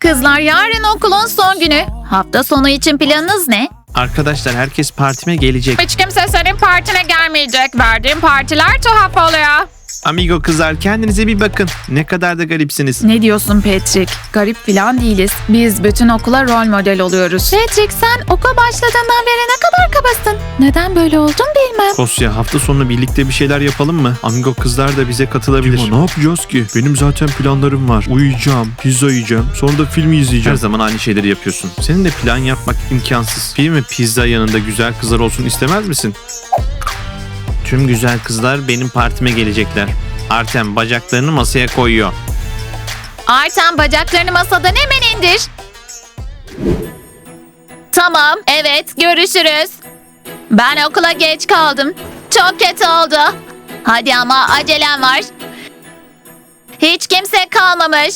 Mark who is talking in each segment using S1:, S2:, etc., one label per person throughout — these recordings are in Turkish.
S1: Kızlar, yarın okulun son günü. Hafta sonu için planınız ne?
S2: Arkadaşlar herkes partime gelecek.
S3: Hiç kimse senin partine gelmeyecek. Verdiğin partiler tuhaf oluyor.
S2: Amigo kızlar kendinize bir bakın. Ne kadar da garipsiniz.
S1: Ne diyorsun Patrick? Garip falan değiliz. Biz bütün okula rol model oluyoruz. Patrick, sen okul başladığından beri ne kadar kabasın. Neden böyle oldun bilmem.
S2: Kosya hafta sonu birlikte bir şeyler yapalım mı? Amigo kızlar da bize katılabilir.
S4: Dima, ne yapacağız ki? Benim zaten planlarım var. Uyuyacağım, pizza yiyeceğim, sonra da film
S2: Her
S4: izleyeceğim.
S2: zaman aynı şeyleri yapıyorsun. Senin de plan yapmak imkansız. Film ve pizza yanında güzel kızlar olsun istemez misin? Tüm güzel kızlar benim partime gelecekler. Artem bacaklarını masaya koyuyor.
S1: Artem, bacaklarını masadan hemen indir. Tamam, evet, görüşürüz. Ben okula geç kaldım. Çok kötü oldu. Hadi ama acelem var. Hiç kimse kalmamış.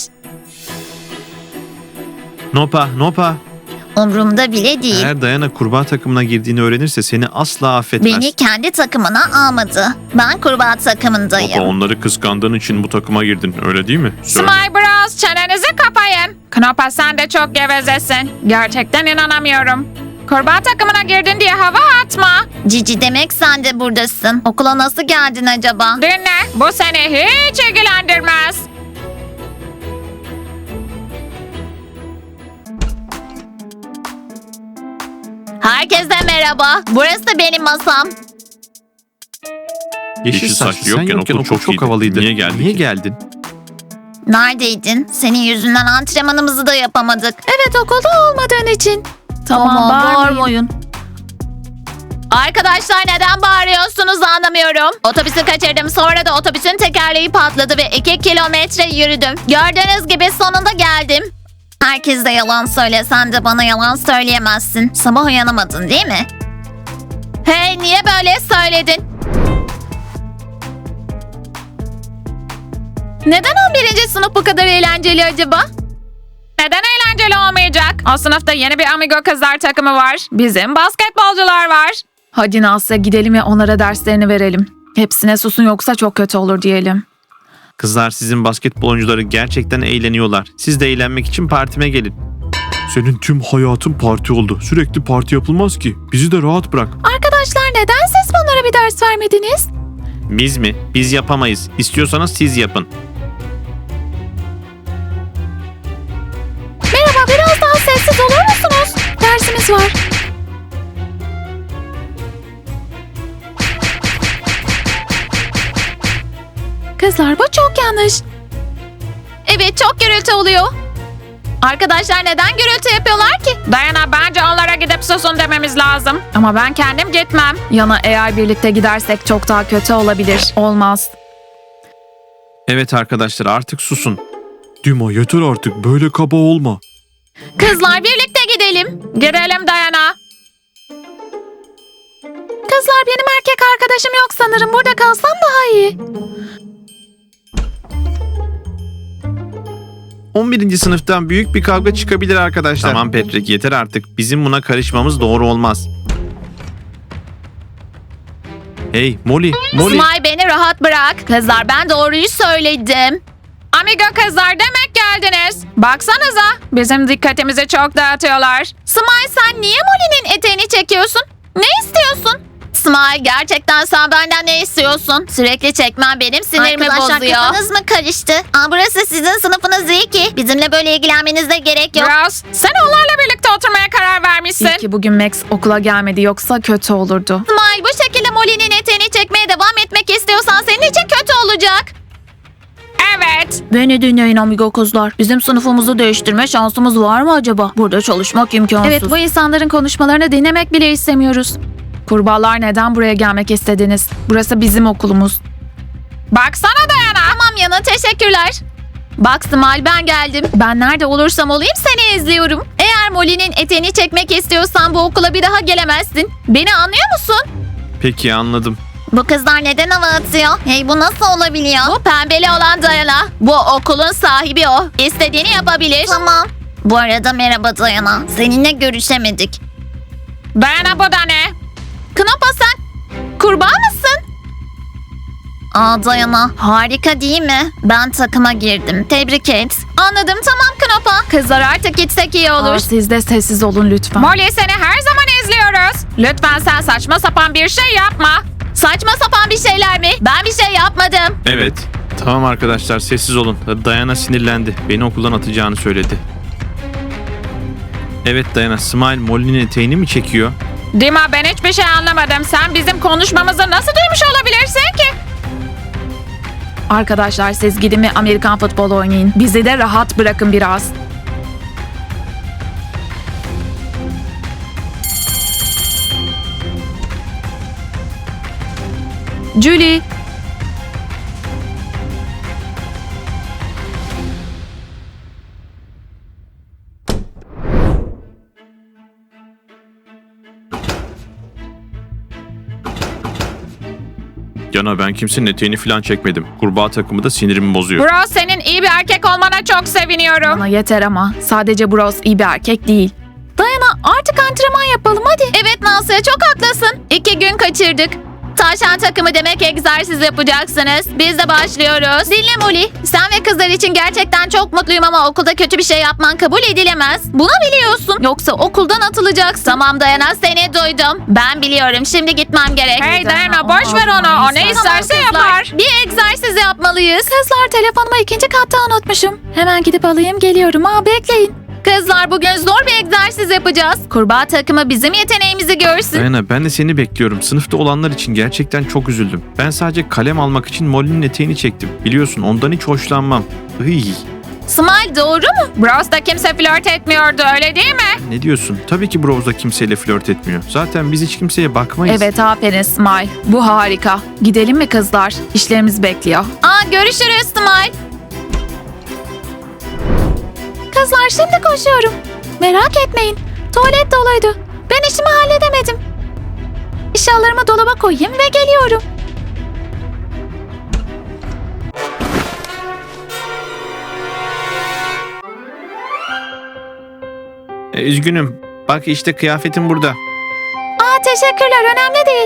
S2: Nopa.
S1: Umrumda bile değil.
S2: Eğer Dayana kurbağa takımına girdiğini öğrenirse seni asla affetmez.
S1: Beni kendi takımına almadı. Ben kurbağa takımındayım.
S4: Baba, onları kıskandığın için bu takıma girdin, öyle değil mi?
S3: Smile Bros, çenenizi kapayın. Knopa, sen de çok gevezesin. Gerçekten inanamıyorum. Kurbağa takımına girdin diye hava atma.
S1: Cici, demek sen de buradasın. Okula nasıl geldin acaba?
S3: Dinle, bu seni hiç ilgilendirmez.
S1: Herkese merhaba. Burası benim masam.
S2: Yeşil saçlı yokken okul çok iyiydi.
S4: havalıydı.
S2: Niye geldin?
S1: Neredeydin? Senin yüzünden antrenmanımızı da yapamadık. Evet, okulda olmadığın için. Tamam, bağırmayın. Arkadaşlar, neden bağırıyorsunuz anlamıyorum. Otobüsü kaçırdım, sonra da otobüsün tekerleği patladı ve 2 kilometre yürüdüm. Gördüğünüz gibi sonunda geldim. Herkes de yalan söylesen de bana yalan söyleyemezsin. Sabah uyanamadın değil mi? Hey, niye böyle söyledin? Neden 11. sınıf bu kadar eğlenceli acaba?
S3: Neden eğlenceli olmayacak? O sınıfta yeni bir Amigo kızlar takımı var. Bizim basketbolcular var.
S1: Hadi Nasya, gidelim ve onlara derslerini verelim. Hepsine susun yoksa çok kötü olur diyelim.
S2: Kızlar sizin basketbol oyuncuları gerçekten eğleniyorlar. Siz de eğlenmek için partime gelin.
S4: Senin tüm hayatın parti oldu. Sürekli parti yapılmaz ki. Bizi de rahat bırak.
S1: Arkadaşlar, neden siz bunlara bir ders vermediniz?
S2: Biz mi? Biz yapamayız. İstiyorsanız siz yapın.
S1: Merhaba, biraz daha sessiz olur musunuz? Dersimiz var. Kızlar, bu çok yanlış. Evet, çok gürültü oluyor. Arkadaşlar, neden gürültü yapıyorlar ki?
S3: Dayana, bence onlara gidip susun dememiz lazım.
S1: Ama ben kendim gitmem. Yana, eğer birlikte gidersek çok daha kötü olabilir. Olmaz.
S2: Evet arkadaşlar artık susun.
S4: Dima, yeter artık, böyle kaba olma.
S1: Kızlar, birlikte gidelim.
S3: Gidelim Dayana.
S1: Kızlar, benim erkek arkadaşım yok sanırım. Burada kalsam daha iyi.
S2: 11. sınıftan büyük bir kavga çıkabilir arkadaşlar. Tamam Patrick yeter artık. Bizim buna karışmamız doğru olmaz. Hey Molly.
S1: Smile, beni rahat bırak. Kızlar, ben doğruyu söyledim.
S3: Amigo kızlar, demek geldiniz. Baksanıza, bizim dikkatimizi çok dağıtıyorlar.
S1: Smile, sen niye Molly'nin eteğini çekiyorsun? Ne istiyorsun? Smile, gerçekten sen benden ne istiyorsun? Sürekli çekmen benim sinirimi
S5: Arkadaşlar,
S1: bozuyor.
S5: kafanız mı karıştı? Burası sizin sınıfınız değil ki. Bizimle böyle ilgilenmenize gerek yok.
S3: Bros, sen onlarla birlikte oturmaya karar vermişsin.
S1: İyi ki bugün Max okula gelmedi, yoksa kötü olurdu.
S5: Smile, bu şekilde Molly'nin eteğini çekmeye devam etmek istiyorsan senin için kötü olacak.
S3: Evet.
S1: Beni dinleyin amigo kızlar. Bizim sınıfımızı değiştirme şansımız var mı acaba? Burada çalışmak imkansız. Evet, bu insanların konuşmalarını dinlemek bile istemiyoruz. Kurbağalar, neden buraya gelmek istediniz? Burası bizim okulumuz.
S3: Baksana Dayana.
S1: Tamam Yana, teşekkürler. Bak Smile, ben geldim. Ben nerede olursam olayım seni izliyorum. Eğer Molly'nin eteğini çekmek istiyorsan bu okula bir daha gelemezsin. Beni anlıyor musun?
S2: Peki anladım.
S5: Bu kızlar neden hava atıyor? Hey, bu nasıl olabiliyor?
S1: Bu pembeli olan Dayana. Bu okulun sahibi o. İstediğini yapabilir.
S5: Tamam. Bu arada merhaba Dayana. Seninle görüşemedik.
S3: Dayana, bu da ne?
S1: Knopa, sen kurbağa mısın? Dayana, harika değil mi? Ben takıma girdim. Tebrik et. Anladım, tamam Knopa. Kızlar artık gitsek iyi olur.
S3: Siz de sessiz olun lütfen. Molly, seni her zaman izliyoruz. Lütfen sen saçma sapan bir şey yapma.
S1: Saçma sapan bir şeyler mi? Ben bir şey yapmadım.
S2: Evet. Tamam arkadaşlar sessiz olun. Dayana sinirlendi. Beni okuldan atacağını söyledi. Evet Dayana, Smile Molly'nin eteğini mi çekiyor?
S3: Dima, ben hiçbir şey anlamadım. Sen bizim konuşmamızı nasıl duymuş olabilirsin ki? Arkadaşlar siz gidin ve Amerikan futbolu oynayın. Bizi de rahat bırakın biraz. Julie.
S2: Yana, ben kimsenin eteğini falan çekmedim. Kurbağa takımı da sinirimi bozuyor.
S3: Bro, senin iyi bir erkek olmana çok seviniyorum. Bana yeter ama sadece Bros iyi bir erkek değil.
S1: Dayana, artık antrenman yapalım hadi. Evet Nasya, çok haklısın. 2 gün kaçırdık. Tavşan takımı demek egzersiz yapacaksınız. Biz de başlıyoruz. Dinle Molly. Sen ve kızlar için gerçekten çok mutluyum ama okulda kötü bir şey yapman kabul edilemez. Bunu biliyorsun. Yoksa okuldan atılacaksın. Tamam Dayana, seni duydum. Ben biliyorum. Şimdi gitmem gerek.
S3: Hey Dayana, boş ver onu. O ne isterse
S1: kızlar,
S3: yapar.
S1: Bir egzersiz yapmalıyız.
S3: Kızlar, telefonumu 2. katta unutmuşum. Hemen gidip alayım, geliyorum. Bekleyin.
S1: Kızlar, bugün zor bir egzersiz yapacağız. Kurbağa takımı bizim yeteneğimizi görsün.
S2: Dayana, ben de seni bekliyorum. Sınıfta olanlar için gerçekten çok üzüldüm. Ben sadece kalem almak için Molly'nin eteğini çektim. Biliyorsun ondan hiç hoşlanmam. Iy.
S1: Smile, doğru mu?
S3: Bros'ta kimse flört etmiyordu, öyle değil mi?
S2: Ne diyorsun? Tabii ki Brows'da kimseyle flört etmiyor. Zaten biz hiç kimseye bakmayız.
S3: Evet, aferin Smile. Bu harika. Gidelim mi kızlar? İşlerimiz bekliyor.
S1: Görüşürüz Smile.
S3: Kızlar, şimdi koşuyorum. Merak etmeyin. Tuvalet doluydu. Ben işimi halledemedim. Eşyalarımı dolaba koyayım ve geliyorum.
S2: Üzgünüm. Bak işte kıyafetim burada.
S3: Teşekkürler, önemli değil.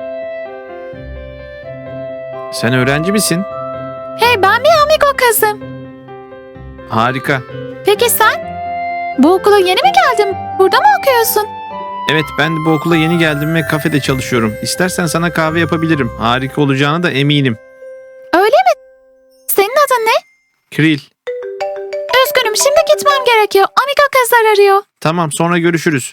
S2: Sen öğrenci misin?
S3: Hey, ben bir amigo kızım.
S2: Harika.
S3: Peki sen? Bu okula yeni mi geldin? Burada mı okuyorsun?
S2: Evet, ben de bu okula yeni geldim ve kafede çalışıyorum. İstersen sana kahve yapabilirim. Harika olacağına da eminim.
S3: Öyle mi? Senin adın ne?
S2: Kril.
S3: Üzgünüm, şimdi gitmem gerekiyor. Amigo kızlar arıyor.
S2: Tamam, sonra görüşürüz.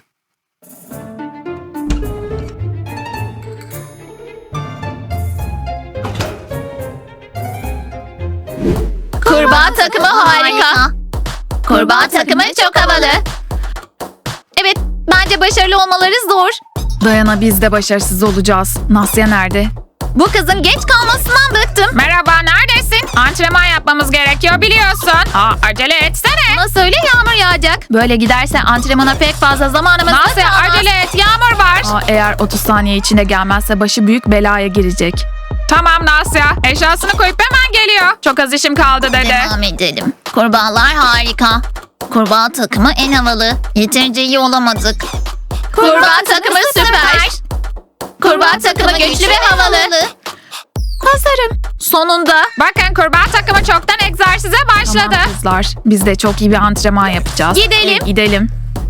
S1: Kurbağa takımı harika. Kurbağa takımı çok havalı. Evet, bence başarılı olmaları zor.
S3: Dayana, biz de başarısız olacağız. Nasya nerede?
S1: Bu kızın geç kalmasından bıktım.
S3: Merhaba, neredesin? Antrenman yapmamız gerekiyor biliyorsun. Acele etsene.
S1: Ona söyle, yağmur yağacak. Böyle giderse antrenmana pek fazla zamanımız
S3: Nasya,
S1: kalmaz.
S3: acele et, yağmur var. Eğer 30 saniye içinde gelmezse başı büyük belaya girecek. Tamam Nasya, eşyasını koyup hemen geliyor. Çok az işim kaldı dedi.
S1: Devam edelim. Kurbağalar harika. Kurbağa takımı en havalı. Yeterince iyi olamadık. Kurbağa takımı süper. Kurbağa takımı güçlü ve havalı.
S3: Hazırım.
S1: Sonunda.
S3: Bakın, kurbağa takımı çoktan egzersize başladı. Tamam kızlar, biz de çok iyi bir antrenman yapacağız.
S1: Gidelim.
S3: Gidelim.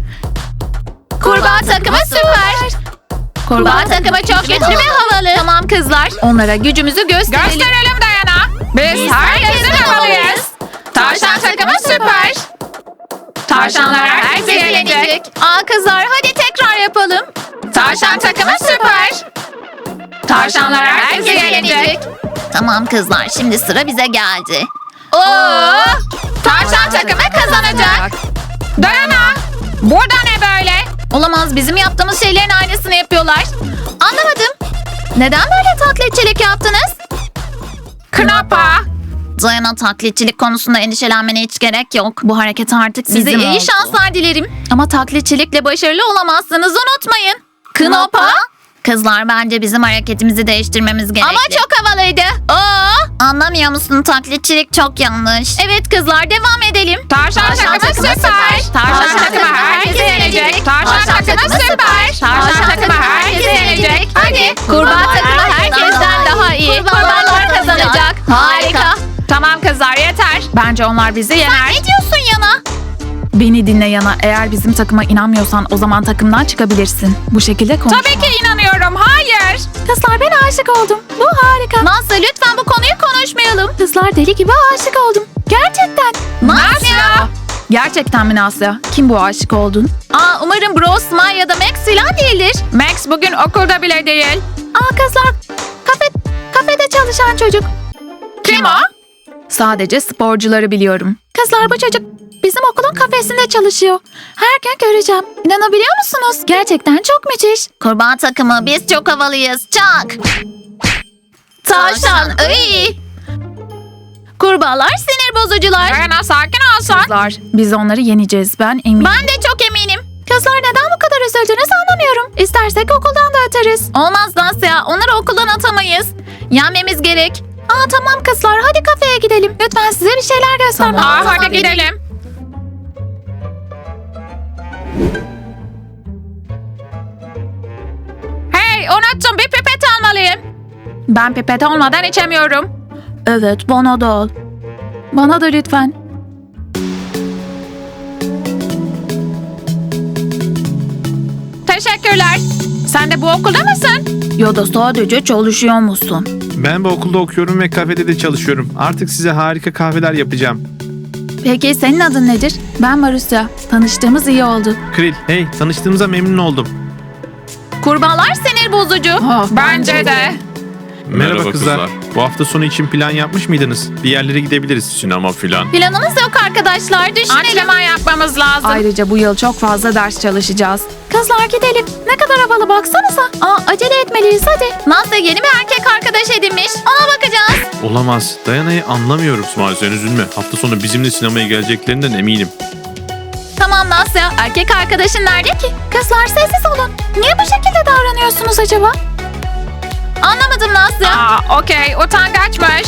S1: Kurbağa takımı süper. Kurbağa takımı çok güçlü ve havalı. Tamam kızlar. Onlara gücümüzü gösterelim.
S3: Gösterelim Dayana. Biz herkesin havalıyız. Tavşan takımı süper. Tavşanlar herkese yenecek.
S1: Kızlar, hadi tekrar yapalım.
S3: Tavşan takımı süper. Tavşanlar herkese yenecek.
S1: Tamam kızlar, şimdi sıra bize geldi.
S3: Tavşan takımı kazanacak. Dayana, burada ne böyle?
S1: Olamaz, bizim yaptığımız şeylerin aynısını yapıyorlar. Anlamadım. Neden böyle taklitçilik yaptınız?
S3: Knopa.
S1: Dayana, taklitçilik konusunda endişelenmene hiç gerek yok. Bu hareket artık size
S3: Bizim
S1: iyi
S3: oldu.
S1: şanslar dilerim. Ama taklitçilikle başarılı olamazsınız, unutmayın. Knopa? Kızlar, bence bizim hareketimizi değiştirmemiz gerekli. Ama çok havalıydı. Anlamıyor musun? Taklitçilik çok yanlış. Evet kızlar, devam edelim.
S3: Tavşan takımı süper. Tavşan takımı herkese yenecek. Tavşan takımı süper. Tavşan takımı herkese yenecek. Hadi.
S1: Kurbağa takımı herkesten daha iyi. Kurbağalar kazanacak. Harika.
S3: Tamam kızlar yeter. Bence onlar bizi yener.
S1: Ne diyorsun Yana?
S3: Beni dinle Yana. Eğer bizim takıma inanmıyorsan o zaman takımdan çıkabilirsin. Bu şekilde konuşma.
S1: Tabii ki inanıyorum. Hayır.
S3: Kızlar ben aşık oldum. Bu harika.
S1: Nasıl? Lütfen bu konuyu konuşmayalım.
S3: Kızlar deli gibi aşık oldum. Gerçekten.
S1: Nasya.
S3: Gerçekten mi Nasya? Kim bu aşık oldun?
S1: Umarım Bro, Smile ya da Max filan değildir. Max bugün okulda bile değil.
S3: Kızlar kafede çalışan çocuk.
S1: Kim o?
S3: Sadece sporcuları biliyorum. Kızlar bu çocuk bizim okulun kafesinde çalışıyor. Her gün göreceğim. İnanabiliyor musunuz? Gerçekten çok müthiş.
S5: Kurban takımı biz çok havalıyız. Çak.
S1: Tavşan. Iy. Kurbağalar sinir bozucular.
S3: Yana sakin olsun. Kızlar biz onları yeneceğiz ben eminim.
S1: Ben de çok eminim.
S3: Kızlar neden bu kadar üzüldünüz anlamıyorum. İstersek okuldan da atarız.
S1: Olmaz Nasya. Onları okuldan atamayız. Yenmemiz gerek.
S3: Tamam kızlar hadi kafeye gidelim. Lütfen size bir şeyler göstermem.
S1: Tamam,
S3: lazım.
S1: hadi gidelim. Hey, unuttum. Bir pipet almalıyım.
S3: Ben pipet olmadan içemiyorum. Evet bana da al. Bana da lütfen.
S1: Teşekkürler. Sen de bu okulda mısın?
S3: Ya da sadece çalışıyor musun?
S2: Ben bu okulda okuyorum ve kafede de çalışıyorum. Artık size harika kahveler yapacağım.
S3: Peki senin adın nedir? Ben Marusya. Tanıştığımız iyi oldu.
S2: Kril, hey tanıştığımıza memnun oldum.
S1: Kurbağalar sinir bozucu.
S3: Bence de.
S2: Merhaba kızlar. Bu hafta sonu için plan yapmış mıydınız? Bir yerlere gidebiliriz.
S4: Sinema filan.
S1: Planımız yok arkadaşlar. Düşünelim.
S3: Antrenman
S1: yapmamız lazım.
S3: Ayrıca bu yıl çok fazla ders çalışacağız. Kızlar gidelim. Ne kadar havalı baksanıza. Acele etmeliyiz hadi.
S1: Nasya yeni bir erkek arkadaş edinmiş. Ona bakacağız.
S2: Olamaz. Dayana'yı anlamıyorum.
S4: İsmail sen üzülme. Hafta sonu bizimle sinemaya geleceklerinden eminim.
S1: Tamam Nasya. Erkek arkadaşın nerede ki?
S3: Kızlar sessiz olun. Niye bu şekilde davranıyorsunuz acaba?
S1: Anlamadım Nasya.
S3: Okey. Utangaçmış.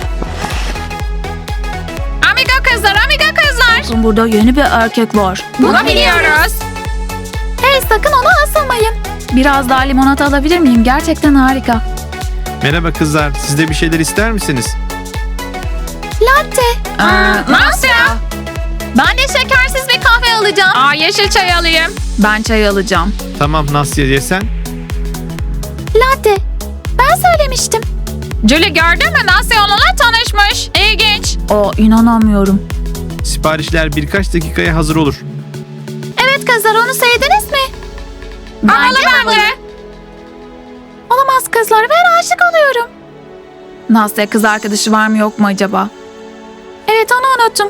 S1: Amiga kızlar.
S3: Burada yeni bir erkek var.
S1: Bunu biliyoruz.
S3: Hey sakın ona asılmayın. Biraz daha limonata alabilir miyim? Gerçekten harika.
S2: Merhaba kızlar. Siz de bir şeyler ister misiniz?
S3: Latte.
S1: Nasya. Ben de şekersiz bir kahve alacağım. Yeşil çay alayım.
S3: Ben çay alacağım.
S2: Tamam Nasya ye sen.
S3: Latte. Ben söylemiştim.
S1: Julie gördün mü? Nasya onunla tanışmış. İlginç.
S3: İnanamıyorum.
S2: Siparişler birkaç dakikaya hazır olur.
S3: Evet kızlar onu sevdiniz mi?
S1: Havalı bence.
S3: Olamaz kızlar ben aşık oluyorum. Nasya kız arkadaşı var mı yok mu acaba? Evet onu unuttum.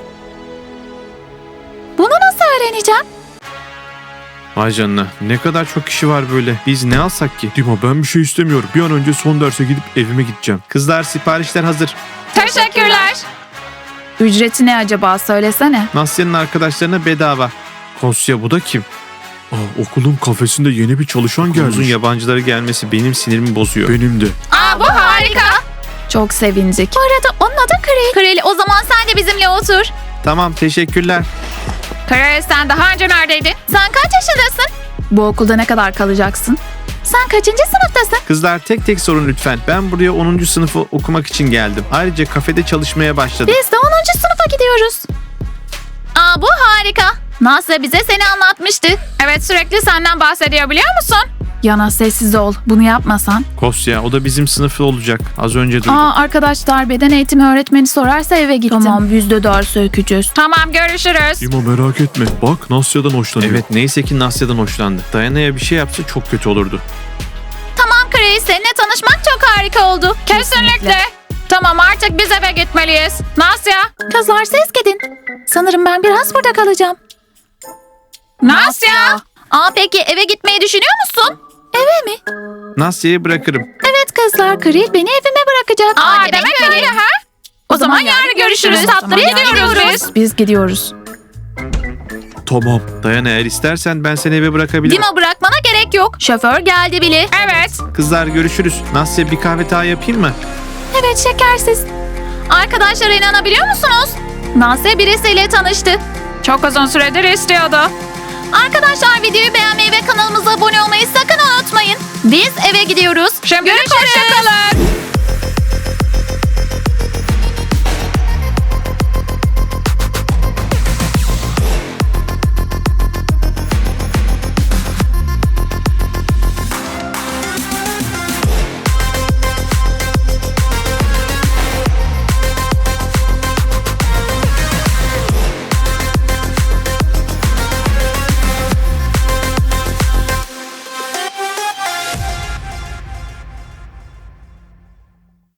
S3: Bunu nasıl öğreneceğim?
S2: Vay canına. Ne kadar çok kişi var böyle. Biz ne alsak ki?
S4: Dima ben bir şey istemiyorum. Bir an önce son derse gidip evime gideceğim.
S2: Kızlar siparişler hazır.
S1: Teşekkürler.
S3: Ücreti ne acaba söylesene.
S2: Nasya'nın arkadaşlarına bedava.
S4: Kosya bu da kim? Okulun kafesinde yeni bir çalışan gelmiş.
S2: Uzun yabancıları gelmesi benim sinirimi bozuyor.
S4: Benim de.
S1: Bu harika.
S3: Çok sevindik. Bu arada onun adı Kril.
S1: Kril o zaman sen de bizimle otur.
S2: Tamam teşekkürler.
S1: Kril sen daha önce neredeydin? Sen kaç yaşındasın?
S3: Bu okulda ne kadar kalacaksın? Sen kaçıncı sınıftasın?
S2: Kızlar tek tek sorun lütfen. Ben buraya 10. sınıfı okumak için geldim. Ayrıca kafede çalışmaya başladım.
S3: Biz de 10. sınıfa gidiyoruz.
S1: Bu harika. Nasya bize seni anlatmıştı. Evet sürekli senden bahsediyor biliyor musun?
S3: Yana sessiz ol. Bunu yapmasan.
S2: Kosya o da bizim sınıfı olacak. Az önce duydum.
S3: Arkadaşlar beden eğitimi öğretmeni sorarsa eve gittim. Tamam biz de ders öykücüz.
S1: Tamam görüşürüz.
S4: Dima merak etme. Bak Nasya'dan hoşlanıyor.
S2: Evet neyse ki Nasya'dan hoşlandı. Dayana'ya bir şey yapsa çok kötü olurdu.
S1: Tamam Kril seninle tanışmak çok harika oldu. Kesinlikle. Tamam artık biz eve gitmeliyiz. Nasya.
S3: Kızlar siz gidin. Sanırım ben biraz burada kalacağım.
S1: Nasya. Peki eve gitmeyi düşünüyor musun?
S3: Eve mi?
S2: Nasya'yı bırakırım.
S3: Evet kızlar Kril beni evime bırakacak.
S1: Demek öyle ha? O zaman yarın görüşürüz. Tatlıya gidiyoruz.
S3: Biz gidiyoruz.
S4: Tamam.
S2: Dayana eğer istersen ben seni eve bırakabilirim.
S1: Dima bırakmana gerek yok. Şoför geldi bile. Evet.
S2: Kızlar görüşürüz. Nasya bir kahve daha yapayım mı?
S3: Evet şekersiz.
S1: Arkadaşlar inanabiliyor musunuz? Nasya birisiyle tanıştı. Çok uzun süredir istiyordu. Arkadaşlar videoyu beğenmeyi ve kanalımıza abone olmayı sakın unutmayın. Biz eve gidiyoruz. Görüşürüz. Hoşçakalın.